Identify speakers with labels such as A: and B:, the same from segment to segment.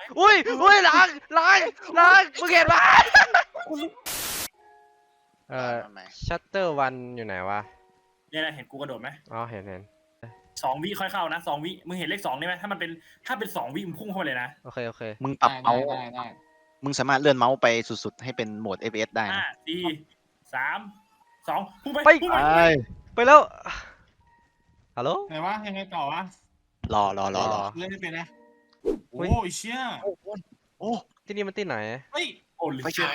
A: อุ้ยหลังมึงเห็นปะชัตเตอร์วันอยู่ไหนวะ
B: เนี่ยนะเห็นกูกระโดดไหม
A: อ๋อเห็น
B: 2 วิค่อยเข้านะ2 วิมึงเห็นเลข 2ได้ไหมถ้าเป็น2 วิมึงพุ่งเข้าไปเลยนะ
A: โอเค
C: มึงปรับเมาส์มึงสามารถเลื่อนเมาส์ไปสุดๆให้เป็นโหมด FPS ได้นะ
B: 5 4 3 2พุ่งไป
A: ไปแล้วฮัลโหล
D: ไหนวะยังไงต่อวะ
C: รอ
D: เล่นไม่เป็นนะโอ้ยเชี่ย
C: โอ้
A: ที่นี่มันที่ไหน
D: เฮ้ย
B: โอ้
C: ไฟฉาย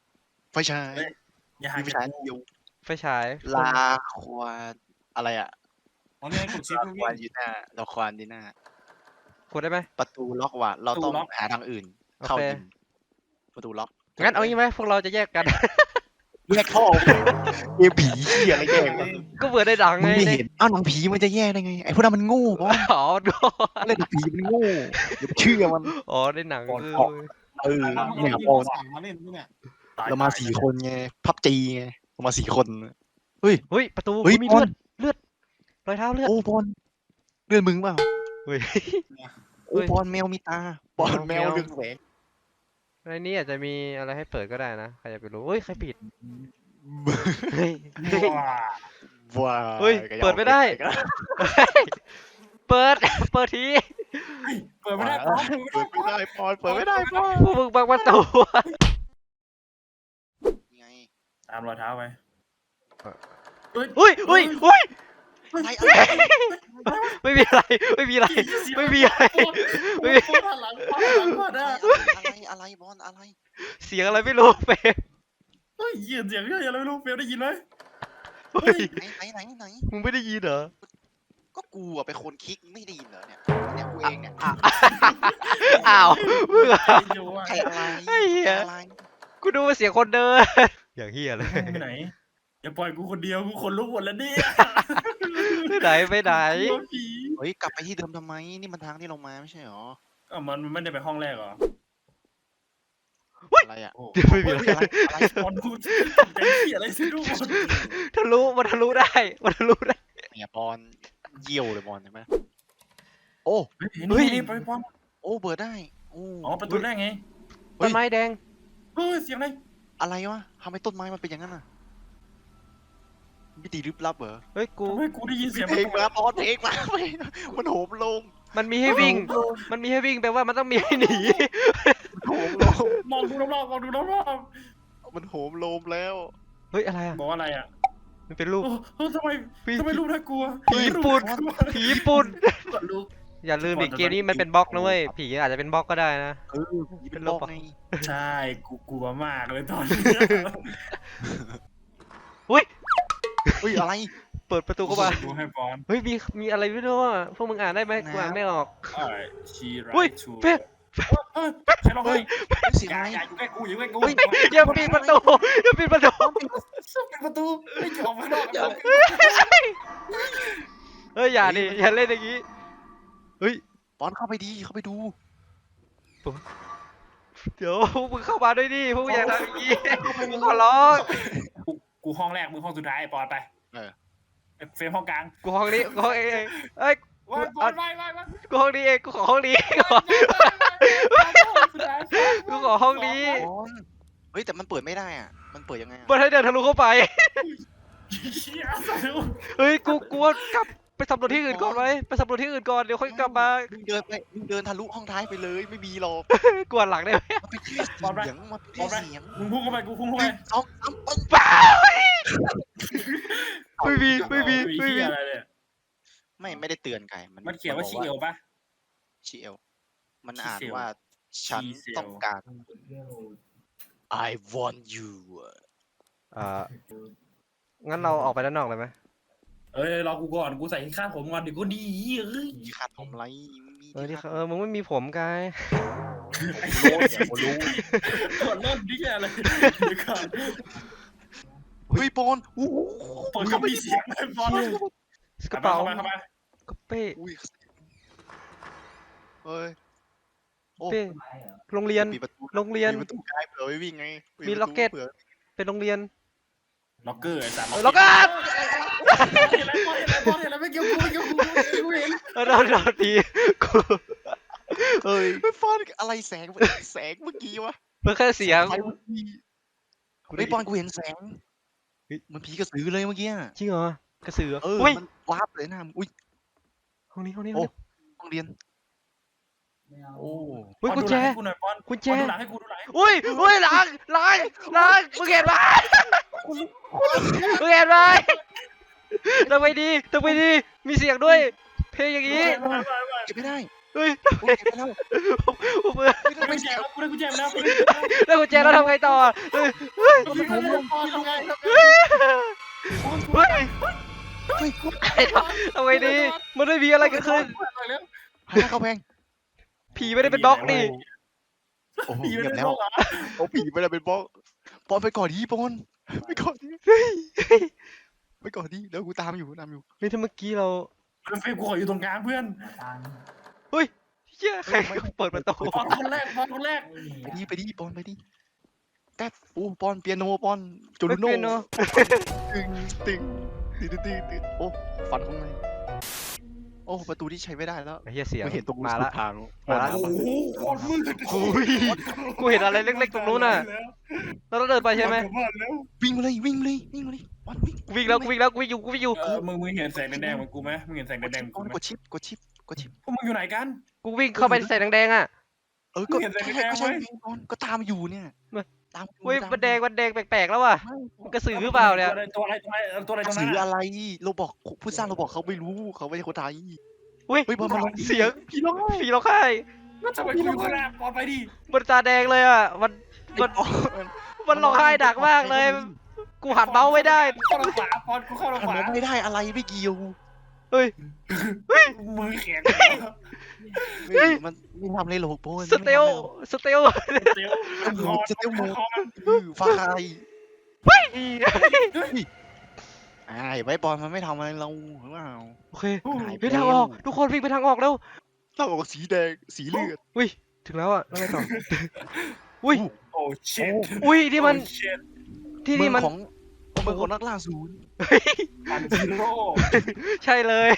B: อย่าหา
C: มีไฟฉายเดียว
A: ไฟฉาย
C: ลาควานอะไรอ่ะ
D: ตอนนี้กดชิป
C: ลาควานดีน่าลาควานดีน่าก
A: ดได้ไหม
C: ประตูล็อกว่ะเราต้องหาทางอื่นเข้ายิงประตูล็อก
A: งั้นเอางี้ไหมพวกเราจะแยกกัน
C: แยกท่อเกมผีเหี้ยอะไรแยก
A: ก็เบื่อได้ดังไง
C: ไม่เห็นอ้าวหนังผีมันจะแยกได้ไงไอ้พวกนั้นมันโง่บอส
A: อ๋อดู
C: เล่นผีมันโง่อย่าเชื่อมัน
A: อ๋อได้หนัง
C: เนี่ยโอน
D: มาเล่นด้วยเนี่ย
C: เรามา4 คนไงพับจีไงเรามา4 คน
A: เฮ้ยประตูมีเลือดรอยเท้าเลือด
C: โอ้บอลเลื่อนมึงเปล่า
A: เฮ้ย
C: โอ้บอลแมวมีตาบอลแมวเรืองแสง
A: ในนี้อาจจะมีอะไรให้เปิดก็ได้นะใครจะไปรู้เฮ้ยใครปิดเฮ้ย
C: ว้า
A: เฮ้ยเปิดไม่ได้เปิดที
B: เปิดไม่ได้
C: เปิดไม่ได้บอลเปิดไม่ได้บอล
A: พวกมึงบังประตู
C: ไง
B: ตามรอยเท้าไป
A: อุ้ย
C: อะไร
A: ไม่มีอะไรไม่มีอะไร
C: อะไรบอลอะไร
A: เสียงอะไรไม่รู้เฟม
B: เฮ้ยเสียงเรื่องอะไรไม่รู้เฟลได้ยินไหม
C: ไหน
A: มึงไม่ได้ยินเหรอ
C: ก็กูอะเป็นคนคลิกไม่ได้ยินเหรอเนี่ยกูเองเนี่ย
A: อ้าวมึง
C: ใครอะไร
A: ไอ้เหี้ย
C: อะไร
A: กูดูว่าเสียงคนเดินอย่างเฮียเลย
B: ไปไหนอย่าปล่อยกูคนเดียวกูขนลุกหมดแล้วเนี่ย
A: ไปไหน
C: เฮ้ยกลับไปที่เดิมทำไมนี่มันทางที่เรามาไม่ใช่หรอ
B: มันไม่ได้ไปห้องแรกเหรอ
C: อะไรอ่ะ
A: เดี๋ยวไม่มีอะไร
C: อะไร
B: บอลกูใจที่อะไรสิลูก
A: มันทะลุได้
C: เนี่ยบอลเยี่ยวเลยบอลใช่ไหมโอ้
B: นี่ไปบอล
C: โอ้เปิดได้โอ้
B: อ๋อประตูแรกไง
A: ต้นไม้แดง
B: เฮ้ยเสียงอะไร
C: อะไรวะทำไมต้นไม้มันเป็นอย่างนั้นอ่ะมิติลึกลับเหรอ
A: เฮ้ยกู
B: เฮ้ยกูได้ยินเสียง
C: เพลงมาบอลเพลงมามันโหมลง
A: มันมีให้วิ่งแปลว่ามันต้องมีให้หนี
C: โหมลง
B: มองดูรอบๆ
C: มันโหมลมแล้ว
A: เฮ้ยอะไรอ่ะ
B: บอกอะไรอ่ะ
A: มันเป็นรูป
B: ทำไมรูปน่ากลัว
A: ผีปุ่น
B: กดลุก
A: อย่าลืมดิเกมนี้มันเป็นบล็อกนะเว้ยผีอาจจะเป็นบล็อกก็ได้นะ
C: เป็นโลกไง
B: ใช่กูกลัวมากเลยตอนนี้
A: อุ้ย
C: อุ้ยอะไร
A: เปิดประตูเข้ามา
B: ดูให้บอล
A: เฮ้ยมีอะไรไม่รู้อ่ะพวกมึงอ่านได้ไหมกูอ่านไม่ออก
B: ชีไร
A: อุ้ย
B: ชู
A: เป๊ะ
B: ใครร้องไห้
C: เสียงอะไร
B: อย่าอยู่ใกล้กูอย่าใกล้กู
A: อย่าปิดประตู
B: ปิดประตูไม่ออกมานอก
A: เฮ้ยอย่าดิอย่าเล่นอย่างงี้เฮ้ย
C: บอลเข้าไปดีเข้าไปดู
A: เดี๋ยวพวกมึงเข้ามาด้วยดิพวกมึงอยากทำอย่างงี้ขอร้อง
B: กูห้องแรกมึงห้องสุดท้ายปอนไปเฟรมห้องกลาง
A: กูห้องนี้กูห้องเองเอ้ย
B: ว้ายว้าย
A: กูห้องนี้เองกูขอห้องนี้กูขอห้องนี้
C: เฮ้ยแต่มันเปิดไม่ได้อ่ะมันเปิดยังไง
A: มันให้เดินทะลุเข้าไปเฮ้ยกูว่ากลับไปสำรวจที่อื่นก่อนไหมไปสำรวจที่อื่นก่อนเดี๋ยวค่อยกลับมา
C: มึงเดินทะลุห้องท้ายไปเลยไม่มีหรอก
A: กวนหลังได้ไหม
C: มันเป็นแค่เสียงมันเป็นแค่เสียง
B: มึงพุ่งเข้าไปกูพุ่งเข้าไป
C: 2 3ปึ้ง
A: เปล่าไม่มี
B: อะไรเนี่ย
C: ไม่ได้เตือนไก่
B: มันเขียนว่าชีเอลป่ะ
C: ชีเอลมันอ่านว่าฉันต้องการ I want you
A: งั้นเราออกไปด้านนอกเลยไหม
B: รอกูก่อนกูใส่ข้างผมก่อนเดี๋ยวกูดีเอ้ย
C: มีขาดผมไรมี
A: มึงไม่มีผมกาย
C: รู้
B: ก่อนเริ่มดิแกอะไรเดี๋ยวก่อน
C: เฮ้ยปอนอู้
B: เปิดก็มีเสียงเลยบอล
A: กระเป๋า
B: เข้ามาก
A: ระเป้
C: อุ้ยเฮ้ย
A: เป้โรงเรียน
C: มีประตู
A: โรงเรียน
C: มีประตูกายเผื่อไว้วิ่งไง
A: มีล็อกเก็ต เป็นโรงเรียน
B: ล็อกเกอร์ไอ้สาม
A: ล็อกเก็ต
B: บอลเห็นอะไรไม่เกี่ยวกูเห็น
A: เราที
C: เฮ้ยไม่ฟอนอะไรแสงเมื่อกี้วะ
A: มันแค่เสียง
C: ไฟเมื่อกี้ไอ้ยปอนกูเห็นแสง
A: เฮ้ย
C: มันผีกระสือเลยเมื่อกี้อะ
A: จริงเหรอกระสือเหรอ
C: เออ
A: อุ้ย
C: มันวาร์ปเลยหน้ามึงอุ้ย
A: ห้องนี้ห้องนี้
C: โอ้
A: ห้องนี้
C: ห้องเรียนโอ้
A: เฮ้ย
B: ปอน
A: กุญ
B: ดู
A: แจ
B: หลังให้กูหน่อยปอน
A: กุญแจ
B: ปอนดูหลังให้กูดูหลังให้กู
A: อุ้ยอุ้ยหลังมึงเห็นไหมมึงเห็นไหมทำไมดีมีเสียงด้วย เพลงอย่างนี้
C: เก็บไม่ได้
A: เฮ้ย
C: โอ้ยเก็บไม่ได้
A: ผมเบื่อ
C: ไม่ได้
B: ได้กุ
C: ไม่
B: ญแจ
C: เสีย
B: แล้วกูได้กุญแจมาแล้ว
A: แล้วกุญแจแล้วทำไงต่อเฮ้ย
B: พี่ผมปอนทำไง
A: เฮ้ย
C: เฮ้ย
A: ทำไงดีมันไม่มีอะไรเกิดขึ้น
C: หันหน้าเข้าแพง
A: ผีไม่ได้เป็นบล็อกนี่
C: โอ้โห
B: ผี
C: เงี
B: ไม่
C: ยบ
B: ได้
C: แล้ว
B: บอกเหรอ
C: โอ้ผีไม่ได้เป็นบล็อกปอนไปก่อนดีปอนไปก่อนดีไปก่อนดีแล้วกูตามอยู่
A: เฮ้ยถ้าเมื่อกี้เรา
B: เฟรมกูขออยู่ตรงกลางเพื่อน
A: เฮ้ยเหี้ยใครเปิดประตู
B: ปอนคนแรกปอนคนแรก
C: ไปดิปอนไปดิแป๊บโอ้ปอนเปียโนปอนจู
A: ไม่
C: รุโน่
A: เป็นเนาะ
C: ตึงโอ้ฟันข้างในโอ้ประตูที่ใช้ไม่ได้แล้ว
A: ไอ้เหี้ยเสียง
C: ไม่เห็นตรง
A: มาละ
C: ทาง
A: มาละ
B: โอ้โหโคตรมืด
A: อุ้ยกูเห็นอะไรเล็กๆตรงนู้นน่ะแล้วเราเดินไปใช่ไหม
C: วิ่งมาเลยปอนวิ่ง
A: กูวิ่งแล้วกูวิ่งอยู่
B: มึงเห็นแสงแดงๆเหมือนกูไหมมึงเห็นแสงแดงๆเหมือน
C: ปอ
B: กู
C: น
B: ไหม
C: กดชิป
B: พวกมึงอยู่ไหนกัน
A: กูวิ่งเข้าไปใส่แดงๆอ่ะ
C: ก็
B: เห็นแสงแดงๆ
C: ก็ใช่
B: ไหม
C: วิ่งปอนก็ตามอยู่เนี่ย
A: ไม่
C: ตามอยู่
A: เฮ้ย
C: ตา
A: มันแดงแปลกๆแล้วว่ะมันกระสือหรือเปล่าเนี่ย
B: ตัวอะไรตรง
C: สื่
B: นั้น
C: อ
B: อะ
C: อะไรเราบอกผู้สร้างเราบอกเขาไม่รู้เขาไม่ใช่คนไทย
A: เฮ้ย
C: เฮ้ยบอลมาลอง
A: เสียง
C: พี่ร้อง
A: ผีร้องไห้
B: ก็ทำไมกูอยู่ข้างหน้าปอนไปดิ
A: มันตาแดงเลยอ่ะมันร้องไห้ดักมากเลย กูหันเมาส์ไม่ได้
B: เข้าทางขวาปอนกูเข้าทาง
C: หัน
B: ขวา
C: มาไม่ได้อะไรไม่เกี่ยว
A: เฮ้ย
B: มือแข็ง
C: เฮ้ยมันไม่ทำเลยหรอกโบน
A: สเตล
B: เซลล์คอ
C: สเตลโมฟ้าใครไว้บอลมันไม่ทำอะไรเราหรือเปล่า
A: โอเคไปทางออกทุกคนวิ่งไปทางออกแล้ว
C: ถ้าออกสีแดงสีเลือด
A: ถึงแล้วอ่ะแล้วไงต่ออุ้ย
B: โอ้เช็ด
A: อุ้ยที่มัน
B: เช็ด
A: ที่นี่มัน
C: ของเมืองของนักล่าศูนย์
B: อันซีโร่
A: ใช่เลย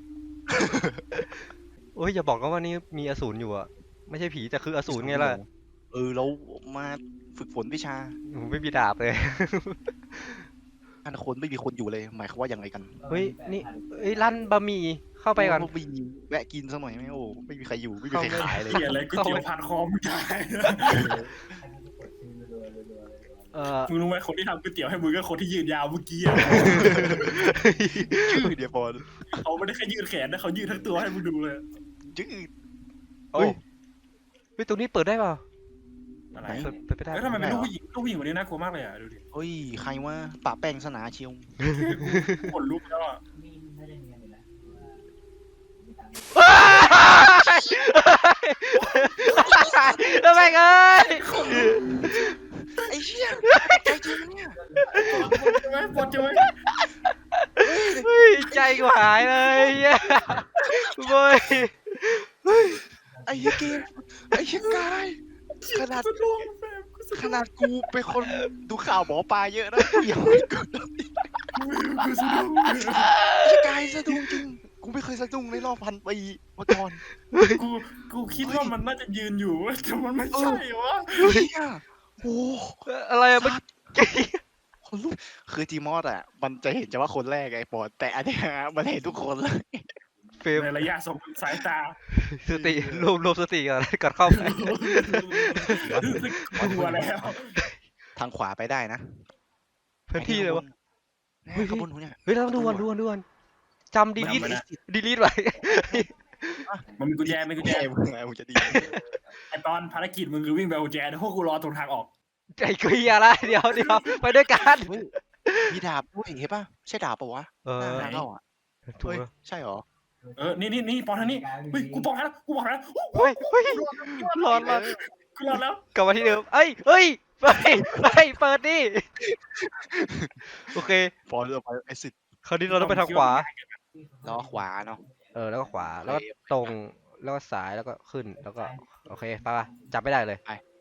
A: โอ้ยอย่าบอกนะว่านี่มีอสูรอยู่อ่ะไม่ใช่ผีแต่คืออสูรไงล่ะ
C: เรามาฝึกฝนวิชา
A: ไม่มีดาบเลย
C: อันคนไม่มีคนอยู่เลยหมายความว่าอย่างไรกัน
A: เฮ้ยนี่เฮ้ยร้านบะหมี่เข้าไปก่อน
C: ไม่มีแวะกินสักหน่อยไหมโอ้ไม่มีใครอยู่ไม่มีใครขายเลย
B: เสียอะไรก๋วยเตี๋ยวผัดคอมได้ มึงรู้ไหมคนที่ทำก๋วยเตี๋ยวให้มึงก็คนที่ยืนยาวเมื่อกี้อะ
C: ชื่อเดียวพอ
B: เขาไม่ได้แค่ยืดแขนนะเขายืดทั้งตัวให้มึงดูเลย
C: ชื่อ
A: เฮ้ย เฮ้ยตรงนี้เปิดได้เปล่า
B: อะไร
A: เปิดไปได้
B: แล้วทำไมเป็นลูกผู้หญิงคนนี้น่ากลัวมากเลยอ่ะดูดิ
C: เฮ้ยใครว่าปะแป้งสนาเชียว
B: ขนลุกแล้วอ่ะ
A: แล้วแม่งเอ้ย
C: ไอ้เหี้ยใจจริงเนี่ย
B: ใช่ไหมปวดใช่ไหม
A: เฮ้ยใจกูหายเลยเหี้ยเว้ย
C: ไอ้เหี้ยเกมไอ้เหี้ยกายขนาดกูเป็นคนดูข่าวหมอปลาเยอะนะอย่าให้กูไอ้เหี้ยกายสะดุ้งจริงกูไม่เคยสะดุ้งในรอบ1,000 ปีมาก่อน
B: กูคิดว่ามันน่าจะยืนอยู่แต่มันไม่ใช่วะ
C: เฮ้ยโอ้
A: อะไรอะมัน
C: คนลุกคือจีมอสอ่ะมันจะเห็นเฉพาะคนแรกไอ้ปอดแต่อันเนี้ยมันเห็นทุกคนเลย
A: เฟรม
B: ในระยะสายตา
A: สติรวมสติก่อนเข้าไป
B: กลัวแล้ว
C: ทางขวาไปได้นะ
A: พื้นที่เลยวะ
C: ขบวนหัวเนี่ย
A: เฮ้ยเราต้องดูก่อนจำดีลีทไว้
B: มันมีกุญแจมีกุญ
C: แย่
B: แจ
C: มึงจะดี
B: ไอตอนภารกิจมึงคือวิ่งไปเอากุญแจพวกกูรอตรงทางออก
A: ใจเกลียละเดี๋ยวไปด้วยกัน
C: มีดาบด้วยเห็นป่ะใช่ดาบปะวะ
A: เอ
C: ห
A: อ
C: น้าเข้าอ่ะ
A: ถูก
C: เฮ้ย
A: แล้ว
C: ใช่หรอ
B: นี่ปอนทางนี้เฮ้ยกูบอกแล้วกูบอกแล้ว
A: เฮ้ยร้อน
B: กูรอแล้ว
A: กลับมาที่เดิมเฮ้ยไปเปิดดิโอเค
C: พอเราไปไอ้สิทธิ์
A: คราวนี้เราต้องไปทางขวา
C: ล้อขวาเนาะ
A: แล้วก็ขวาแล้วก็ตรงแล้วก็ซ้ายแล้วก็ขึ้นแล้วก็โอเคไปจับไม่ได้เลย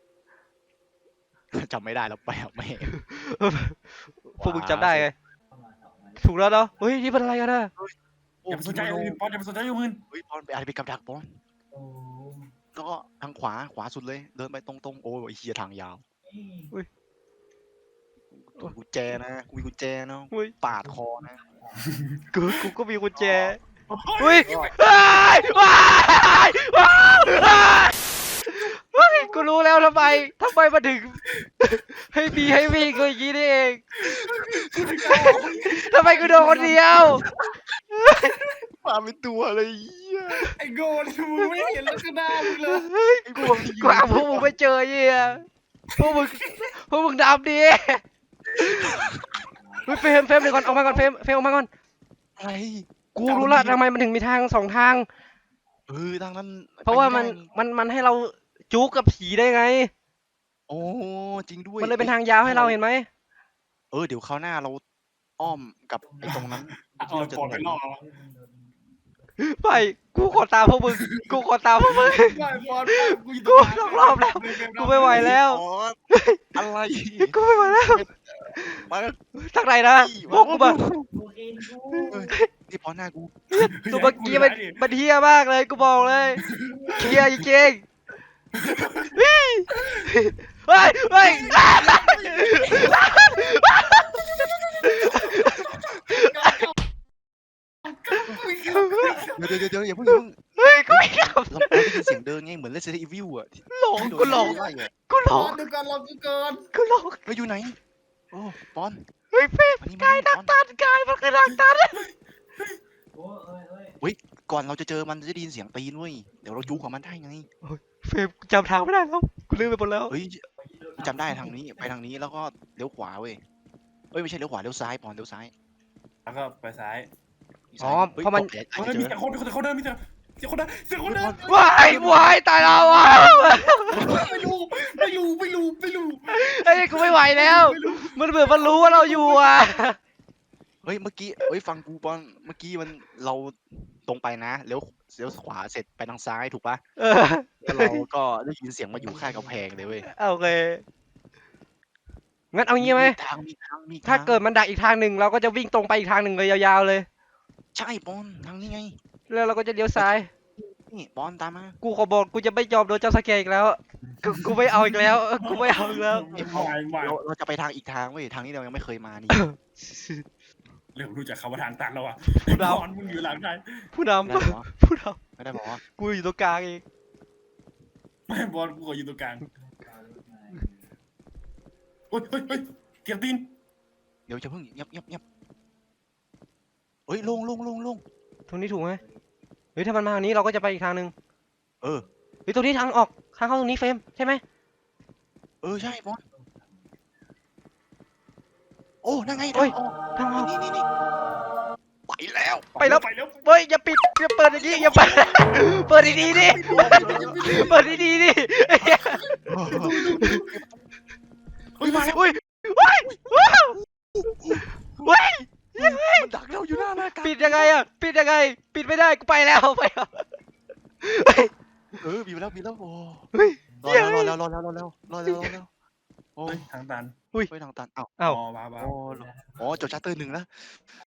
C: จำไม่ได้แล้วไปอ่ะไม่
A: พวกมึงจำได้ไงถูกแล้วเนาะเฮ้ยนี่เป็นอะไรกันนะ
B: อย่าไปสนใจอื่นปอนอย่าไปสนใจอื่น
C: เฮ้ยบอลไปอะไรไปกับดักบอลแล้วก็ทางขวาสุดเลย เดินไปตรงๆโอ้ยไอ้เฮียทางยาว
A: อุ้ย
C: ตัวกุญแจนะกูมีกุญแจนะ
A: อุ้ย
C: ปาดคอนะ
A: กูก็มีกุญแจ
B: เฮ้ย
A: อุ้ยว้ายว้ายว้ายเฮ้ยกูรู้แล้วทำไมมาถึง ให้บีให้วิ่งก็อย่างนี้นี่เองทำไมกูโดนคนเดียว
C: มาเป็นตัวเลยเฮีย
D: ไอ้โง่นี่มึงไม่เห็นลักษณะมึงเลย
C: ไอ้กูบอก
A: กูหาพวกมึงไม่เจอเหี้ยพวกมึงดำดิเฮ้ยเฟรมเดี๋ยวก่อนออกมาก่อนเฟรมออกมาก่อน
C: อะไร
A: กูรู้ละทำไมมันถึงมีทางสองทาง
C: ทางนั้น
A: เพราะว่า
C: ไป
A: มันให้เราจุกกับผีได้ไง
C: โอ้จริงด้วย
A: มันเลยเป็นทางยาวให้เราเห็นไหม
C: เดี๋ยวคราวหน้าเราอ้อมกับไอ้ตรงนั้น
D: เอาปอดไปล่อเอา
A: ไปกูขอตามพวกมึงกูขอตามพวกมึง
D: ไปปอดกูอยู่
A: กูสองรอบแล้ว กูไม่ไหวแล้ว
C: อ๋ออะไร
A: กูไม่ไหวแล้ว
C: มา
A: ทางไหนนะบอกกูมา
C: นี่พอหน้ากู
A: ตัวเมื่อกี้มันเฮี้ยมากเลยกูบอกเลยเฮี้ยจริงๆเฮ้ยเฮ้ย
C: เดี๋ยวอย่าเพิ่ง
A: เฮ้ยกูไม่กลับ
C: เราได้ยินเสียงเดินไงเหมือน Resident Evil อ่ะ
A: หลงกูหลง
C: ไล่อะ
A: กูหล
D: ปอง ดดูก่อนรอกูก่อน
A: กูหลง
C: เฮ้ยอยู่ไหนโอ้ปอน
A: เฮ้ยเฟรม
C: มานี่
A: กายดัก
C: ปอน
A: ตันกายมันคือดักตัน
C: ก่อนเราจะเจอมันจะได้ยินเสียงตีนเว้ยเดี๋ยวเราจู้กับมันได้ไง
A: เฟรมกูจำทางไม่ได้แล้วกูลืมไปหมดแล้ว
C: เฮ้ยจำได้ทางนี้ไปทางนี้แล้วก็เลี้ยวขวาเว้ยเอ้ยไม่ใช่เลี้ยวขวาเลี้ยวซ้ายปอนเลี้ยวซ้าย
B: แล้วก็ไปซ้าย
A: อ๋อ
C: ฮ้ย
A: เพราะมัน
C: อาจ
B: เฮ้ย
C: จะเจ
B: มี
C: อ
B: แต่คนเดินมีแต่เสียงคนเดินเสียงคนเดิน
A: วายตายแล้วอ่ะ
D: ไม่รู้
A: เฮ้ยกูไม่ไหวแล้ว มันเหมือนมันรู้ว่าเราอยู่อ่ะ
C: เฮ้ยเมื่อกี้เฮ้ยฟังกูปอนเมื่อกี้มันเราตรงไปนะเลี้ยวขวาเสร็จไปทางซ้ายถูกปะ
A: เออ
C: แล้วเราก็ได้ยินเสียงมาอยู่ข้างกำแพงเลยเว้ย
A: โอเคงั้นเอางี้ไหม
C: มี
A: ถ้า
C: ทาง
A: เกิดมันดักอีกทางหนึ่งเราก็จะวิ่งตรงไปอีกทางหนึ่งเลยยาวๆเลย
C: ใช่ปอนทางนี้ไง
A: แล้วเราก็จะเลี้ยวซ้าย
C: นี่ปอนตามมา
A: กูขอบอกกูจะไม่ยอมโดนจับสแกร์อีกแล้ว กูไม่เอาอีกแล้ว กูไม่เอาอีกแล้ว
C: เราจะไปทางอีกทางเว้ยทางนี้เรายังไม่เคยมานี่
B: เริ่มรู้จักคำว่าทางตันแล้วอ่ะ
A: ผู้น
B: บอลมึงอยู่หลังใคร
A: ำผู้น
C: ไม่ได้บอกว่า
A: ำผู้น
C: ไม่ได้บอกว่า
A: ำกูอยู่ตรงกลางเอง
B: ไม่บอลกูขออยู่ตรงกลางเฮ้ยเกียร์ตีน
C: เดี๋ยวจะเพิ่งเงียบเฮ้ยลง
A: ตรงนี้ถูกไหมเฮ้ยถ้ามันมาทางนี้เราก็จะไปอีกทางหนึ่ง
C: เออ
A: เฮ้ยตรงนี้ทางออกทางเข้าตรงนี้เฟรมใช่ไหม
C: ใช่ปอนโอ้นั่งไง
A: เฮ้ย
C: ทางออก
A: ทางออก
C: นี่ไปแล้ว
A: ไปแล้ว
B: ไปแล้ว
A: เฮ้ยอย่าปิดอย่าเปิดอย่างนี้อย่าเปิด เปิดดีๆดิเปิดดีๆดิ
B: เฮ้ยมาแล้ว
A: อุ้ยว้ายว้าวว้าย
C: มันดักเราอยู่หน้ากัน
A: ปิดยังไงอะปิดยังไง ปิดไม่ได้กูไปแล้วไปแล้ว
C: บีบแล้วโอ้
A: เฮ้ย
C: รอแล้วโอ้
B: เฮ้ยทางตัน
C: ไปทางตันอ้าว
A: อ้าว
B: อ๋อว้าว
C: โอ้จดชัตเตอร์1แล้ว